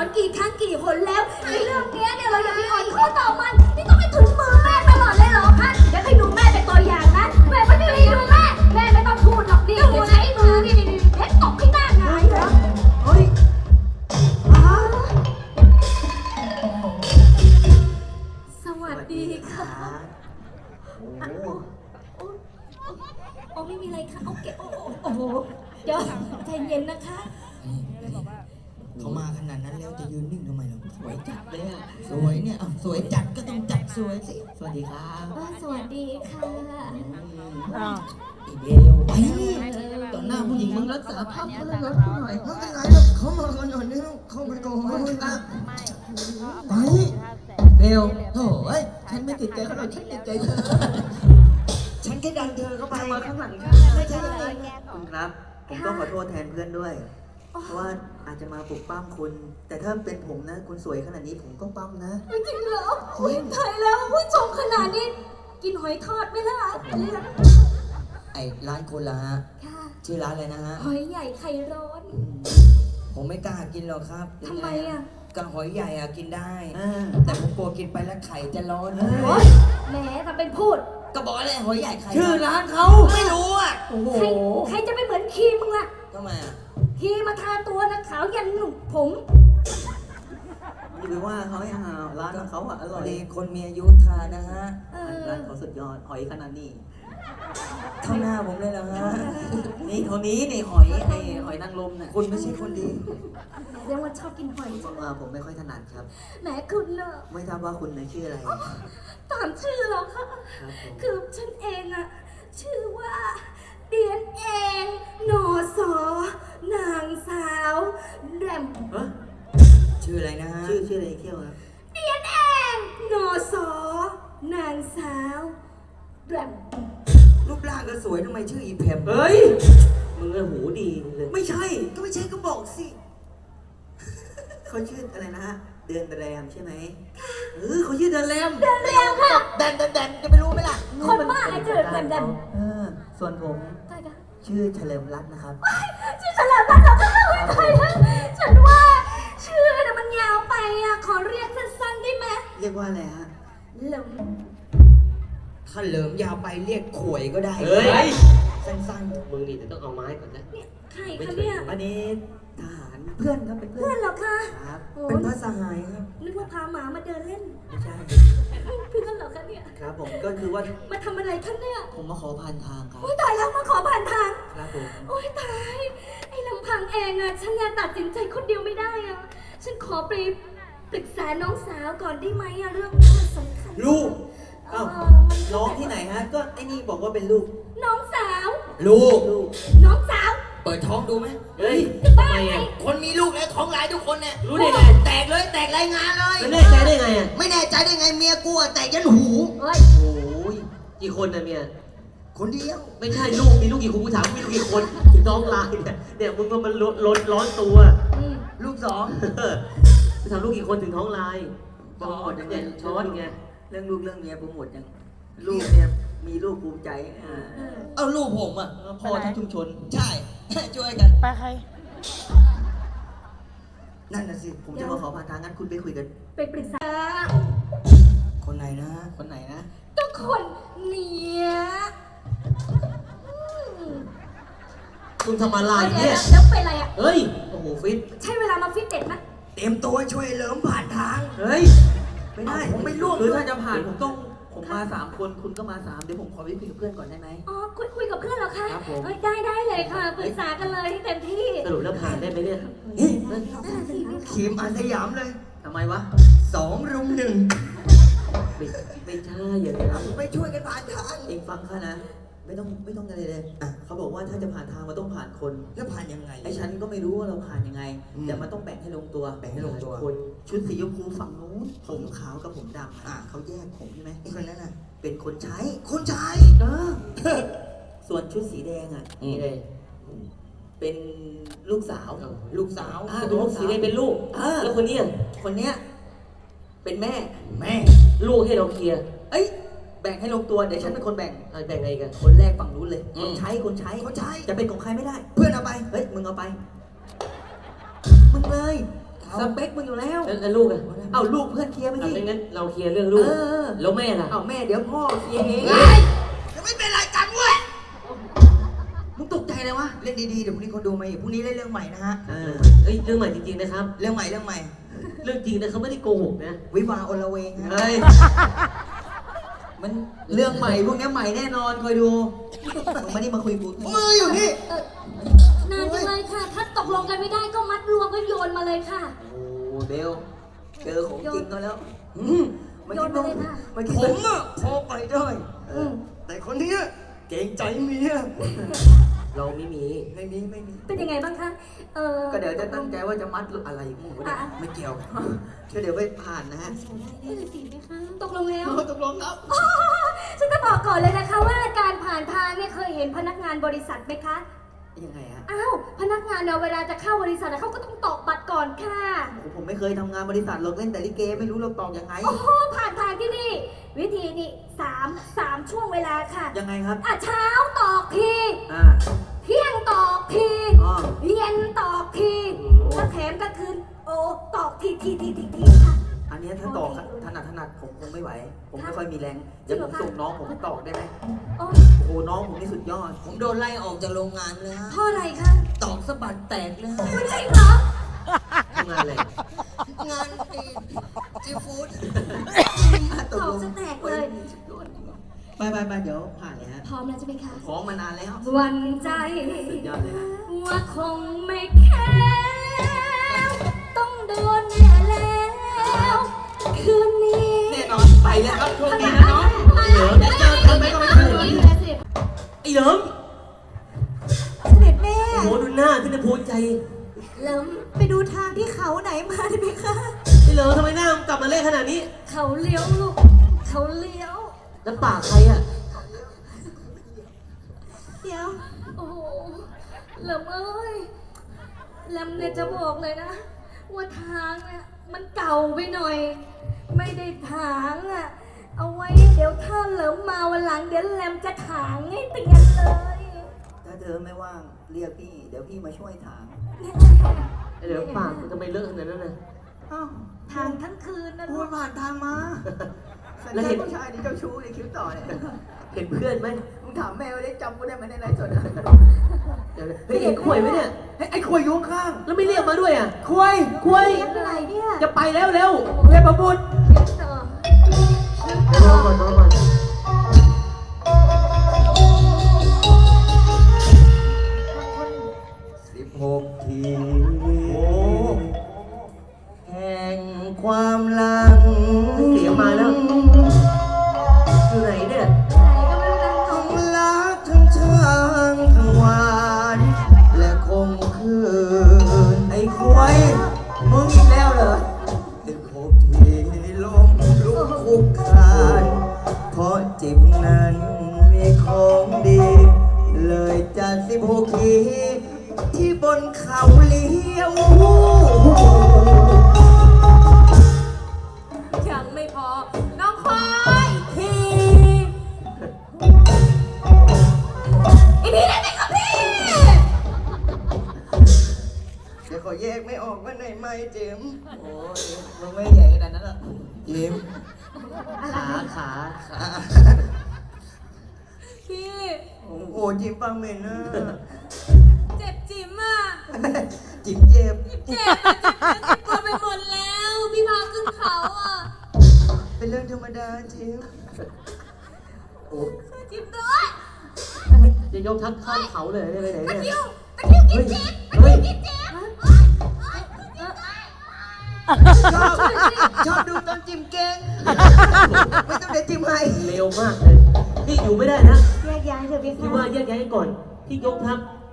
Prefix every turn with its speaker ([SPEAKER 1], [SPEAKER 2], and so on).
[SPEAKER 1] อนกี่ครั้งกี่หนแล้วในเรื่องเนี้ยเนี่ยเราอย่าไปอ่อนข้อต่อมันนี่ต้องไปถึงมือแม่ตลอดเลยเหรอคะเดี๋ยวให้ดูแม่เป็นตัวอย่างนะแม่ไม่ได้ดูแม่ไม่ต้องพูดหรอกดิเดี๋ยวใช้มือนี่เพชรตกให้หน้าหงายเหรอเฮ้ยสวัสดีค่ะโอ้ไม่มีอะไรค่ะโอเคโอ้โหเดี๋ยวใจเย็นนะคะ
[SPEAKER 2] เขามาขนาดนั้นแล้วจะยืนนิ่งทำไมเราสวยจัดเลยอ่ะสวยเนี่ยสวยจัดก็ต้องจัดสวยสิสวัสดีครับ
[SPEAKER 1] สวัสดีค่ะ
[SPEAKER 2] อีเบลไปต่อหน้าผู้หญิงมึงรักษาภาพเขาเลยนะหน่อยไม่เป็นไรหรอกเขามากันหน่อยนี่เข้าไปก่อนไปเบลโถ่ฉันไม่ติดใจเขาหรอกฉันติดใจเธอฉันแค่ดันเธอเข้าไปมาข้างหลังไม่ใช่ยังไงคุณครับผมต้องขอโทษแทนเพื่อนด้วยเพราะว่าอาจจะมาปลุกปั้มคุณแต่ถ้าเป็นผมนะคุณสวยขนาดนี้ผมก็ปั้มนะ
[SPEAKER 1] จริงเหรออุ้ยตายแล้วผู้ชมขนาดนี้กินหอยทอดไหมล่ะ
[SPEAKER 2] ไอ้ร้านคุณล่ะฮะชื่อร้านอะไรนะฮะ
[SPEAKER 1] หอยใหญ่ไข่ร้อน
[SPEAKER 2] ผมไม่กล้ากินหรอกครับ
[SPEAKER 1] ทำไมอ่ะ
[SPEAKER 2] กระหอยใหญ่กินได้แต่ผมกลัวกินไปแล้วไข่จะร้อน
[SPEAKER 1] แหมทำเป็นพูด
[SPEAKER 2] ก็บอกอะไรหอยใหญ่ไข่
[SPEAKER 3] ชื่อร้านเขา
[SPEAKER 2] ไม่รู้อ่ะ
[SPEAKER 1] โอ้โหใครจะไปเหมือนครีมมึงล่ะ
[SPEAKER 2] ทำไมอ่ะ
[SPEAKER 1] ครีมมาทาตัวนะขาวยันหนุ่มผม
[SPEAKER 2] อย่าไปว่าเขาให้หาร้านเขาอร่อยคนมีอายุทานนะฮะร้านเขาสุดยอดหอยขนาดนี้เท่าหน้าผมเลยเหรอฮะนี่เท่านี้นี่หอยนางรมเนี่ยคุณไม่ใช่คนดี
[SPEAKER 1] เรียกว่าชอบกินหอยจัง
[SPEAKER 2] ผมไม่ค่อยถนัดครับ
[SPEAKER 1] แหมคุณเนอะ
[SPEAKER 2] ไม่ทราบว่าคุณชื่ออะไร
[SPEAKER 1] ตามชื่อหรอคะคือฉันเองอะชื่อว่าเดียนเองนอสอนางสาวแรม
[SPEAKER 2] ชื่ออะไรนะฮะชื่ออะไรเที่ยวครับ
[SPEAKER 1] เดียนเองนอสอนางสาวแรม
[SPEAKER 2] รูปร่างก็สวยทำไมชื่ออีแพม
[SPEAKER 3] เฮ้ยมึงหูดีเลย
[SPEAKER 2] ไม่ใช่ก็ไม่ใช่ก็บอกสิเขาชื่ออะไรนะฮะเดือนแรมใช่ไหมเขาชื่อเดือนแรม
[SPEAKER 1] ค่ะ
[SPEAKER 2] แดนจะไม่รู้ไหมล่ะ
[SPEAKER 1] คนบ้าไอ้เจอแดน
[SPEAKER 2] ส่วนผมชื่อเฉลิมรัตน์นะครับ
[SPEAKER 1] ชื่อเฉลิมรัตน์เหรอคะฉันว่าชื่อน่ะมันยาวไปอ่ะขอเรียกสั้นๆได้ไหม
[SPEAKER 2] เรียกว่าอะไรฮะ
[SPEAKER 1] เหลิม
[SPEAKER 2] ถ้าเหลิมยาวไปเรียกขวยก็ได้
[SPEAKER 3] เฮ้ย
[SPEAKER 2] สั้น
[SPEAKER 3] ๆมึงนี่จะต้องเอาไม้ก่อนนะ
[SPEAKER 1] ใครคะเนี่ย
[SPEAKER 2] อันนี้ทหารเพื่อนครับเป็นเพื่อน
[SPEAKER 1] เหรอคะ
[SPEAKER 2] ครับเป็นพระสหายครับ
[SPEAKER 1] นึกว่าพาหมามาเดินเล่น
[SPEAKER 2] ไม่ใช่
[SPEAKER 1] เพื่อนเหรอคะเนี่ย
[SPEAKER 2] ครับผมก็คือว่า
[SPEAKER 1] มาทำอะไรคะเนี่ย
[SPEAKER 2] ผมมาขอผ่านทางครับ
[SPEAKER 1] โอ้ยตายแล้วมาขอผ่านทาง
[SPEAKER 2] ครับผม
[SPEAKER 1] โอ้ยตายไอ้ลำพังเองอะฉันยังตัดสินใจคนเดียวไม่ได้อะฉันขอไปปรึกษาน้องสาวก่อนได้ไหมอะเรื่องนี้มันสำคัญ
[SPEAKER 2] ลูกน้องที่ไหนฮะก็ไอ้นี่บอกว่าเป็นลูก
[SPEAKER 1] น้องสาว
[SPEAKER 2] ลูก
[SPEAKER 1] น้องสาว
[SPEAKER 2] เปิดท้องดูไหม
[SPEAKER 3] เฮ้ย
[SPEAKER 1] ทำไม
[SPEAKER 3] อ่ะ
[SPEAKER 2] คนมีลูกแล้วท้องลายทุกคนเนี่ย
[SPEAKER 3] รู้ได้ไง
[SPEAKER 2] แตกเลยแตกรายงานเลย
[SPEAKER 3] ไม่แน่ใจได้ไงอ่ะ
[SPEAKER 2] ไม่แน่ใจได้ไงเมียกูแตกยันหู
[SPEAKER 1] โอ้
[SPEAKER 3] ยกี่คนนะเมีย
[SPEAKER 2] คนเดียว
[SPEAKER 3] ไม่ใช่ลูกมีลูกกี่คนกูถามมีลูกกี่คนท้องลายเนี่ยมึงก็มันร้อนตัว
[SPEAKER 2] ลูก
[SPEAKER 3] จะทำลูกกี่คนถึงท้องลาย
[SPEAKER 2] โปรโมทยังไง
[SPEAKER 3] ช้อนไง
[SPEAKER 2] เรื่องลูกเรื่องเมียโปรโมทยังลูกเนี่ยมีลูกภูมิใจเอาลูกผมอ่ะพ่อทั้งชุมชนใช่ช่วยกัน
[SPEAKER 4] ไปใคร
[SPEAKER 2] นั่นน่ะสิผมจะมาขอผ่านทางงั้นคุณไปคุยกัน
[SPEAKER 1] ไปปรึกษา
[SPEAKER 2] คนไหนนะ
[SPEAKER 1] ก็คนเนี้ย
[SPEAKER 3] คุณทำอะไรเนี่ย
[SPEAKER 1] แล้วเป็นอะไรอ่ะ
[SPEAKER 3] เฮ้ยโอ้โหฟิต
[SPEAKER 1] ใช่เวลามาฟิตเด็ดไหม
[SPEAKER 2] เต็มตัวช่วยเหลิมผ่านทาง
[SPEAKER 3] เฮ้ย
[SPEAKER 2] ไม่ได้ผมไม่ร่วมคือถ้าจะผ่านผมมา3 คนคุณก็มา3เดี๋ยวผมขอไปคุยกับเพื่อนก่อนได้ไหม
[SPEAKER 1] อ๋อคุยกับเพื่อนเหรอคะได้เลยค่ะปรึกษากันเลยที่เต็มที่
[SPEAKER 3] สรุปแล้วผ่านได้ไหมเนี่ย
[SPEAKER 2] ทีมอาสยามเลย
[SPEAKER 3] ทำไมวะ
[SPEAKER 2] 2 รุม 1
[SPEAKER 3] ไม่ใช่อย่างนี้
[SPEAKER 2] ไม่ช่วยกันผ่านทางเองฟังข้านะไม่ต้องอะไรเลยเขาบอกว่าถ้าจะผ่านทางมันต้องผ่านคนแล้วผ่านยังไงไอ้ฉันก็ไม่รู้ว่าเราผ่านยังไงแต่มันต้องแบ่งให้ลงตัวคนชุดสีชมพูฝั่งนู้นผมขาวกับผมดำเขาแยกผมใช่ไหมไอ้คนนั้นเป็นคนใช้ส่วนชุดสีแดง
[SPEAKER 3] นี่เลย
[SPEAKER 2] เป็นลูกสาว
[SPEAKER 3] ลูกสีแดงเป็นลูกแล้วคนนี้
[SPEAKER 2] เป็นแม่
[SPEAKER 3] ลูกให้เราเคลียร์
[SPEAKER 2] แบ่งให้ลงตัวเดี๋ยวฉันเป็นคนแบ่ง
[SPEAKER 3] แบ่งไงกัน
[SPEAKER 2] คนแรกฝั่งนู้นเลยคนใช้จะเป็นของใครไม่ได้เพื่อนเอาไปเฮ้ยมึงเอาไปมึงเลยสเปคมึงอยู่แล้ว
[SPEAKER 3] แล้วลูกอ่ะ
[SPEAKER 2] เอาลูกเพื่อนเคลียร์ไป
[SPEAKER 3] เอา
[SPEAKER 2] สิ
[SPEAKER 3] ไม่งั้นเราเคลียร์เรื่องลูก แล้วแม่ล่ะ
[SPEAKER 2] เอาแม่เดี๋ยวพ่อเคลียร์เอง
[SPEAKER 4] จะไม่เป็นไรกันเว้ย
[SPEAKER 2] มึงตกใจเลยวะ
[SPEAKER 4] เล่นดีๆ เดี๋ยวพรุ่งนี้คนดูมาอีกพรุ่งนี้เล่นเรื่องใหม่นะฮะ
[SPEAKER 3] เอ้ยเรื่องใหม่จริงๆนะครับ
[SPEAKER 4] เรื่องใหม่
[SPEAKER 3] เรื่องจริงนะเขาไม่ได้โกหกนะ
[SPEAKER 4] วิวาห์อลเวงฮะ
[SPEAKER 2] เฮ้ย มันเรื่องใหม่พวกนี้ใหม่แน่นอนคอยดู
[SPEAKER 4] มึงมานี่มาคุยกูมืออยู่นี่
[SPEAKER 1] นานจังเลยค่ะ ถ้าตกลงกันไม่ได้ก็มัดรวมก็โยนมาเลยค่ะ
[SPEAKER 2] โอ้เบลเจอของจริงก็แล้ว
[SPEAKER 1] โยนมาเลยค่ะ
[SPEAKER 4] ผมอะพอไปได้
[SPEAKER 1] อืม
[SPEAKER 4] แต่คนเนี้ยเก่งใจเมีย
[SPEAKER 3] เราไม่มี
[SPEAKER 4] ไม่มี
[SPEAKER 1] เป็นยังไงบ้างคะ
[SPEAKER 2] ก็เดี๋ยวจะตั้งใจว่าจะมัดอะไรมึงวะเนี่ย
[SPEAKER 4] ไม่เกี่ยวเดี๋ยวไปผ่านนะฮะ
[SPEAKER 1] ไม่ได้สิไหมคะตกลงแล้ว
[SPEAKER 4] ตกลงครับ
[SPEAKER 1] อ๋อฉันจะบอกก่อนเลยนะคะว่าการผ่านทางเนี่ยเคยเห็นพนักงานบริษัทไหมคะ
[SPEAKER 2] ยังไงฮะ
[SPEAKER 1] อ้าว พนักงานเนี่ยเวลาจะเข้าบริษัทเขาก็ต้องตอกบัตรก่อนค่ะ
[SPEAKER 2] ผมไม่เคยทำงานบริษัทหรอกเล่นแต่ลิเกไม่รู้เราตอกยังไง
[SPEAKER 1] โอ้โห ผ่านทางที่นี่ วิธีนี่สามช่วงเวลาค่ะ
[SPEAKER 2] ยังไงครับ
[SPEAKER 1] เช้าตอกที
[SPEAKER 2] อ่า
[SPEAKER 1] เที่ยงตอกที
[SPEAKER 2] อ๋อ
[SPEAKER 1] เย็นตอกทีแล้วแถมก็คืนโอ้ตอกทีค่ะ
[SPEAKER 2] อันเนี้ยถ้าตอกถนัดผมคงไม่ไหว ผมไม่ค่อยมีแรง เดี๋ยวผมส่งน้องผมตอกได้ไหม
[SPEAKER 1] โอ้
[SPEAKER 2] โอ้น้องผมนี่สุดยอด
[SPEAKER 4] ผมโดนไล่ออกจากโรงงานเลยฮะ
[SPEAKER 1] เพราะอะไรคะ
[SPEAKER 4] ตอกสะบัดแตกเลย
[SPEAKER 1] ไม่ใช่เหรอ
[SPEAKER 3] ทำงานอะไร
[SPEAKER 4] งานจีฟู้ด
[SPEAKER 1] ตอกจะแตกเลย
[SPEAKER 2] ไปเดี๋ยวผ่านเลยฮะ
[SPEAKER 1] พร้อมแล้วใช่ไหมคะ
[SPEAKER 2] ฟ้องมานานแล้ว
[SPEAKER 1] หวันใจ
[SPEAKER 2] สุดยอดเลยฮะ
[SPEAKER 1] ว่าคงไม่แค่ต้องโดนแน่แล้ว คืนนี้
[SPEAKER 2] แน่นอนไปแล้วครับโชคดีนะน้อง
[SPEAKER 3] เหลิม
[SPEAKER 2] เจอกันไหมก็ไม่เจอ
[SPEAKER 3] ไอ้เหลิม
[SPEAKER 1] เสด็จแม่
[SPEAKER 3] โอ้โหดูหน้าขึ้นในภูมิใจ
[SPEAKER 1] เริ่มไปดูทางที่เขาไหนมาได้ไหมคะ
[SPEAKER 3] ไอ้เหลิมทำไมหน้ามึงกลับมาเละขนาดนี้
[SPEAKER 1] เขาเลี้ยวลูก เขาเลี้ยว
[SPEAKER 3] แล้วปากใครอ่ะ
[SPEAKER 1] เดี๋ยว โอ้โหเริ่มเอ้ยแลมเนี่ยจะบอกเลยนะ ว่าทางเนี่ยมันเก่าไปหน่อย ไม่ได้ถางอ่ะ เอาไว้เดี๋ยวถ้าเหลิมมาวันหลังเดี๋ยวแลมจะถางให้เตียนเลย
[SPEAKER 4] ถ้าเธอไม่ว่างเรียกพี่ เดี๋ยวพี่มาช่วยถาม
[SPEAKER 3] ไอ้เหลิมปากมึงทำไมเลอะขนาดนั้นน่ะ
[SPEAKER 4] อ้าว
[SPEAKER 1] ทางทั้งคืนนะ
[SPEAKER 4] พู
[SPEAKER 1] ลู
[SPEAKER 4] ด
[SPEAKER 1] ก
[SPEAKER 4] ผ่านทางมา
[SPEAKER 3] แล้วเห็น
[SPEAKER 4] ผู้ชายนี่เจ้าชู้ในคิ้วต่อเนี่ย
[SPEAKER 3] เห็นเพื่อนไหม
[SPEAKER 4] มึงถามแม่ว่าได้จำกูได้ไหมในไลฟ์สดอะ
[SPEAKER 3] เดี๋ยวนะเฮ้ยเห็นข่วยไหมเนี่ย
[SPEAKER 4] เฮ้ยไอ้ขวยอยุ่ข้าง
[SPEAKER 3] แล้วไม่เรียกมาด้วยอ่ะ
[SPEAKER 4] ขวย
[SPEAKER 3] ข่วย
[SPEAKER 1] เป็นไรเนี่ย
[SPEAKER 3] จะไปแล้วเร็ว
[SPEAKER 4] เทพบุตร
[SPEAKER 3] รอก่อน
[SPEAKER 4] 16 ที
[SPEAKER 3] โอ้
[SPEAKER 4] แห่งความหลัง
[SPEAKER 3] เสียงมาแล้ว อยู่ไหนเนี่ย
[SPEAKER 4] ทั้งรักทั้งช่างทั้งหวานและคงคืน
[SPEAKER 2] ไอ้ควยมึงอีกแล้วเหรอ
[SPEAKER 4] 16 ทีลมลุกคุกคานเพราะจิบนั้นมีของดี เลยจัด16 ทีที่บนเขาเลี้ยว
[SPEAKER 1] ยังไม่พอ น้องคอยทีอีนี่ได้ไหมครับพี่
[SPEAKER 4] เดี๋ยวขอแยกไม่ออกว่าไหนไม่เจมส์
[SPEAKER 2] โอ้ยมึงไม่ใหญ่ขนาดนั้นหรอก
[SPEAKER 4] เจมส์
[SPEAKER 3] ขา
[SPEAKER 1] พี่
[SPEAKER 4] โอ้โหจิมฟังเหม็นนะ
[SPEAKER 1] เจ็บจิ๋มอ่ะ
[SPEAKER 4] จิมเจ็บ
[SPEAKER 1] เจ็บอ่ะเจ็บตัวไปหมดแล้ว พี่พาขึ้นเขาอ่ะ
[SPEAKER 4] เป็นเรื่องธรรมดาจิม
[SPEAKER 3] โอ้
[SPEAKER 1] จิ๋มด้วย
[SPEAKER 3] จะยกทักข้ามเขาเลยได้ไปไหน
[SPEAKER 1] ตะ
[SPEAKER 3] เนี่
[SPEAKER 1] คิ
[SPEAKER 3] ยว
[SPEAKER 1] ตะคิวกินเจ็บ
[SPEAKER 3] เฮ้ย
[SPEAKER 1] กินเจ็บ
[SPEAKER 4] ชอบดูตอนจิมเก่งไม่ต้องเดี๋ยวจิมให้
[SPEAKER 3] เร็วมากเลย นี่อยู่ไม่ได้นะ
[SPEAKER 1] แยกย้ายเถอะพี่
[SPEAKER 3] พี่ว่าแยกย้ายก่อน ที่ยกทัพ